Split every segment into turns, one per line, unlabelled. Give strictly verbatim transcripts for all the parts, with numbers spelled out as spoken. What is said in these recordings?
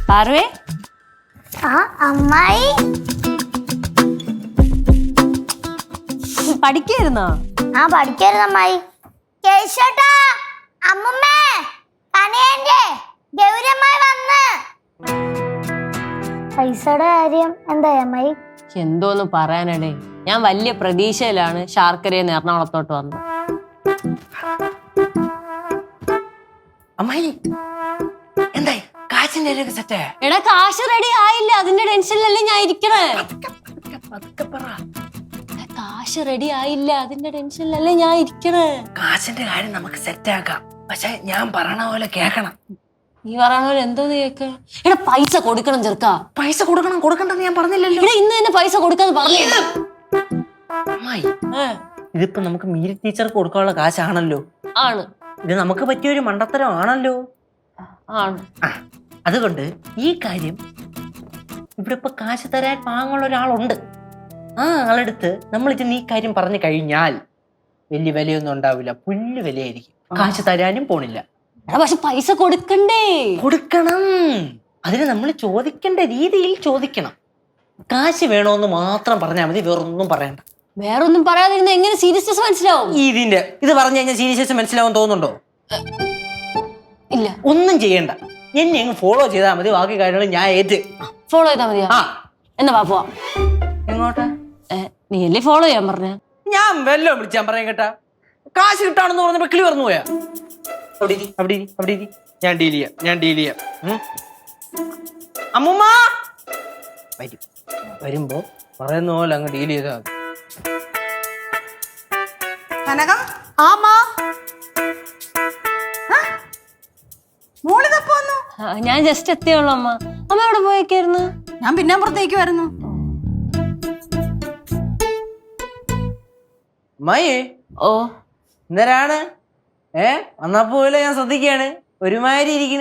പാർവേ
ആ അമ്മായി
പഠിക്കായിരുന്നോ?
ആ പഠിക്കായിരുന്നു അമ്മായി. കേശോട്ടാ, അമ്മുമ്മേ, കനയന്റെ ഗൗരമ്മായി വന്ന്. പൈസയുടെ കാര്യം എന്തായി അമ്മായി?
എന്തോന്ന് പറയാനടേ, ഞാൻ വലിയ പ്രതീക്ഷയിലാണ് ശാർക്കരയിൽ എറണാകുളത്തോട്ട് വന്നത്.
അമ്മായി എന്തായി കാശിന്റെ സെറ്റ്?
എടാ കാശ് റെഡി ആയില്ല, അതിന്റെ ടെൻഷനിലല്ലേ ഞാൻ ഇരിക്കണേ. കാശ് റെഡി ആയില്ല, അതിന്റെ ടെൻഷനിലല്ലേ ഞാൻ ഇരിക്കണേ.
കാശിന്റെ കാര്യം നമുക്ക് സെറ്റ് ആക്കാം, പക്ഷെ ഞാൻ പറയണ പോലെ കേക്കണം.
നീ പറയണ പോലെ എന്തോന്ന് കേക്ക? എടാ പൈസ കൊടുക്കണം ചെറുക്കാ.
പൈസ കൊടുക്കണം കൊടുക്കണ്ടെന്ന് ഞാൻ പറഞ്ഞില്ലല്ലോ.
ഇവിടെ ഇന്ന് തന്നെ പൈസ കൊടുക്കാന്ന് പറഞ്ഞു.
അമ്മായി ഇതിപ്പോ നമുക്ക് മീരി ടീച്ചർക്ക് കൊടുക്കാനുള്ള കാശാണല്ലോ.
ആണ്.
ഇത് നമുക്ക് പറ്റിയൊരു മണ്ടത്തരം ആണല്ലോ.
ആണ്.
അതുകൊണ്ട് ഈ കാര്യം ഇവിടെ ഇപ്പൊ കാശ് തരാൻ പാങ്ങുള്ള ഒരാളുണ്ട്. ആ ആളെടുത്ത് നമ്മൾ ഇത് ഈ കാര്യം പറഞ്ഞു കഴിഞ്ഞാൽ വലിയ വിലയൊന്നും ഉണ്ടാവില്ല, പുല്ല് വിലയായിരിക്കും. കാശ് തരാനും പോണില്ല.
പക്ഷെ പൈസ കൊടുക്കണ്ടേ?
കൊടുക്കണം. അതിന് നമ്മൾ ചോദിക്കേണ്ട രീതിയിൽ ചോദിക്കണം. കാശ് വേണോന്ന് മാത്രം പറഞ്ഞാൽ മതി, വേറൊന്നും പറയണ്ട.
വേറൊന്നും പറയാതിരുന്ന എങ്ങനെ സീരിയസ്നെസ് മനസ്സിലാവും?
ഇതിന്റെ ഇത് പറഞ്ഞു കഴിഞ്ഞാൽ സീരിയസ്നെസ് മനസ്സിലാവും തോന്നുന്നുണ്ടോ?
ഇല്ല.
ഒന്നും ചെയ്യണ്ട, എന്നെ അങ്ങ് ഫോളോ ചെയ്താൽ മതി. ബാക്കി കാര്യങ്ങൾ ഞാൻ ഏറ്റ്.
ഫോളോ ചെയ്താൽ മതിയാ?
ആ
എന്നാ വാ പോവാ.
എങ്ങോട്ടാ?
നീ അല്ലേ ഫോളോ ചെയ്യാൻ പറഞ്ഞ?
ഞാൻ വല്ലോ വിളിച്ചാൻ പറയാൻ കേട്ടാ. കാശ് കിട്ടാണെന്ന് പറഞ്ഞപ്പോ കിളി പറഞ്ഞു പോയാ. അവിടെ ഇരി, അവിടെ ഇരി, അവിടെ ഇരി. ഞാൻ ഡീൽ ചെയ്യാം, ഞാൻ ഡീൽ ചെയ്യാം. അമ്മുമ്മ വരും. വരുമ്പോ പറയുന്ന പോലെ അങ്ങ് ഡീൽ ചെയ്താ മതി.
കനകം ആമാ മോളിതപ്പോ വന്നു.
ഞാൻ ജസ്റ്റ് എത്തിയുള്ളൂ അമ്മ. അമ്മ എവിടെ പോയേക്കായിരുന്നു?
ഞാൻ പിന്നെ പുറത്തേക്ക് വരുന്നു.
അമ്മായി
ഓ
എന്തരാണ്? ഏ വന്നപ്പോലെ ഞാൻ ശ്രദ്ധിക്കാണ്, ഒരുമാതിരി ഇരിക്കണ്.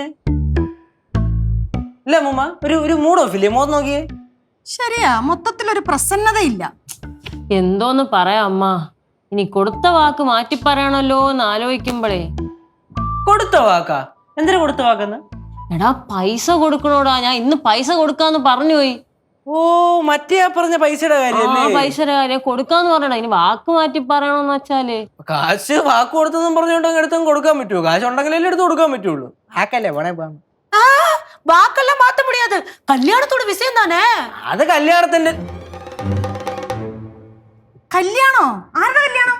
ഇല്ല അമ്മൂമ്മ, ഒരു ഒരു മൂഡ് ഓഫ് ഇല്ലേ? മോത്ത് നോക്കിയേ.
ശരിയാ, മൊത്തത്തിലൊരു പ്രസന്നതയില്ല.
എന്തോന്ന് പറയാ അമ്മ, ഇനി കൊടുത്ത വാക്ക് മാറ്റി പറയണല്ലോ എന്ന് ആലോചിക്കുമ്പോഴേ.
കൊടുത്ത വാക്കാ? എന്തിനാ കൊടുത്ത വാക്കെന്ന്?
എടാ പൈസ കൊടുക്കണോടാ. ഞാൻ ഇന്ന് പൈസ കൊടുക്കാന്ന് പറഞ്ഞു പോയി.
ഓ മറ്റേ പറഞ്ഞ പൈസയുടെ കാര്യല്ലേ?
പൈസയുടെ കാര്യം കൊടുക്കാന്ന് പറയണ. ഇനി വാക്ക് മാറ്റി പറയണോന്ന് വെച്ചാല്
കാശ് വാക്ക് കൊടുത്തെന്നും പറഞ്ഞോണ്ടെങ്കിൽ എടുത്തും കൊടുക്കാൻ പറ്റുമോ? കാശ് ഉണ്ടെങ്കിലല്ലേ എടുത്ത് കൊടുക്കാൻ പറ്റുള്ളൂ. ആക്കല്ലേ പോണേ പോകാം.
വാക്കെല്ലാം മാറ്റ മുടിയാത്. കല്യാണത്തോട് വിഷയം താനേ.
അത് കല്യാണത്തിന്റെ
കല്യാണോ? ആരുടെ കല്യാണം?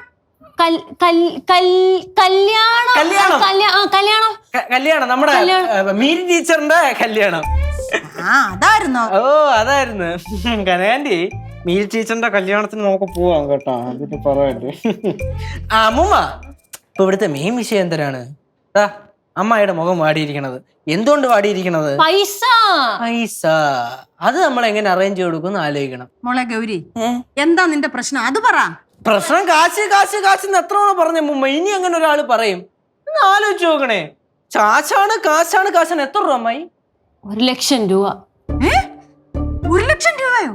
കല്യാണം കല്യാണം
കല്യാണം നമ്മുടെ മീരി ടീച്ചറിന്റെ കല്യാണം.
ആ അതായിരുന്നോ?
ഓ അതായിരുന്നു. കനകാന്റി മീരി ടീച്ചറിന്റെ കല്യാണത്തിന് നമുക്ക് പോവാം കേട്ടോ. അതിന് പറയട്ടെ. ആ അമ്മൂമ്മ, ഇപ്പൊ ഇവിടുത്തെ മെയിൻ വിഷയം എന്തരാണ്? അമ്മായിയുടെ മുഖം വാടിയിരിക്കണത് എന്തുകൊണ്ട് വാടിയിരിക്കണത്?
പൈസ.
പൈസ അത് നമ്മൾ എങ്ങനെ അറേഞ്ച് കൊടുക്കും ആലോചിക്കണം.
മോളെ ഗൗരി, എന്താ നിന്റെ പ്രശ്നം? അത് പറ.
പ്രശ്നം കാശ് കാശ് കാശ് എത്ര തവണ പറഞ്ഞ മുമ്പ്, ഇനി അങ്ങനെ ഒരാൾ പറയും? ഒന്ന് ആലോചിച്ച് നോക്കണേ. കാശാണ് കാശാണ് കാശാണ്. എത്ര രൂപ അമ്മായി?
ഒരു ലക്ഷം രൂപ.
ഒരു ലക്ഷം രൂപയോ?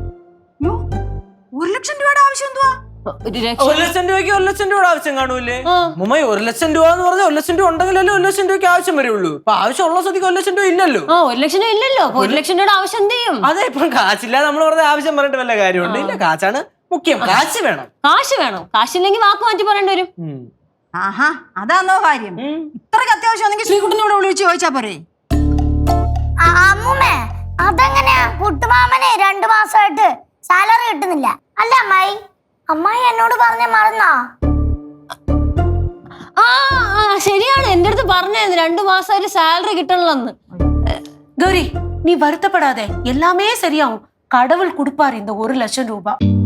ഒരു ലക്ഷം രൂപയുടെ ആവശ്യം എന്തുവാ?
ഒരു ലക്ഷം രൂപയ്ക്ക് ഒരു ലക്ഷം രൂപയുടെ ആവശ്യം കാണൂലേ മുമ്മായി? ഒരു ലക്ഷം രൂപ എന്ന് പറഞ്ഞാൽ ഒരു ലക്ഷം രൂപ ഉണ്ടെങ്കിലല്ലേ ഒരു ലക്ഷം രൂപയ്ക്ക് ആവശ്യം വരുള്ളൂ. ഇപ്പൊ ആവശ്യമുള്ള സ്ഥിതിക്ക് ഒരു ലക്ഷം രൂപ ഇല്ലല്ലോ.
ആ ഒരു ലക്ഷം രൂപ ഇല്ലല്ലോ. ഒരു ലക്ഷം രൂപയുടെ ആവശ്യം എന്ത് ചെയ്യും?
അതെ, ഇപ്പൊ കാശില്ലാതെ നമ്മൾ വെറുതെ ആവശ്യം പറഞ്ഞിട്ട് വല്ല കാര്യമുണ്ട്? ഇല്ല, കാശാണ് മുഖ്യം. കാശ് വേണം.
കാശ് വേണം. കാശില്ലെങ്കിൽ വാക്ക് മാറ്റി പറയേണ്ടി വരും.
ആഹാ, അതാണോ കാര്യം? ഇത്രയ്ക്ക് അത്യാവശ്യം ശ്രീകുട്ടനോട് വിളിച്ച് ചോദിച്ചാ പോരെ?
അമ്മുമ്മേ, അതെങ്ങനെയാ? കുട്ടുമാമനെ രണ്ടു മാസമായിട്ട് സാലറി കിട്ടുന്നില്ല അല്ല അമ്മായി? അമ്മായി എന്നോട് പറഞ്ഞ മറന്നാ?
ആ ശരിയാണ്, എന്റെ അടുത്ത് പറഞ്ഞായിരുന്നു രണ്ടു മാസമായിട്ട് സാലറി കിട്ടണമെന്ന്.
கௌரி, நீ வருத்தப்படாத, எல்லாமே சரியாகும். கடவுள் கொடுப்பாரு இந்த ஒரு லட்சம் ரூபாய்.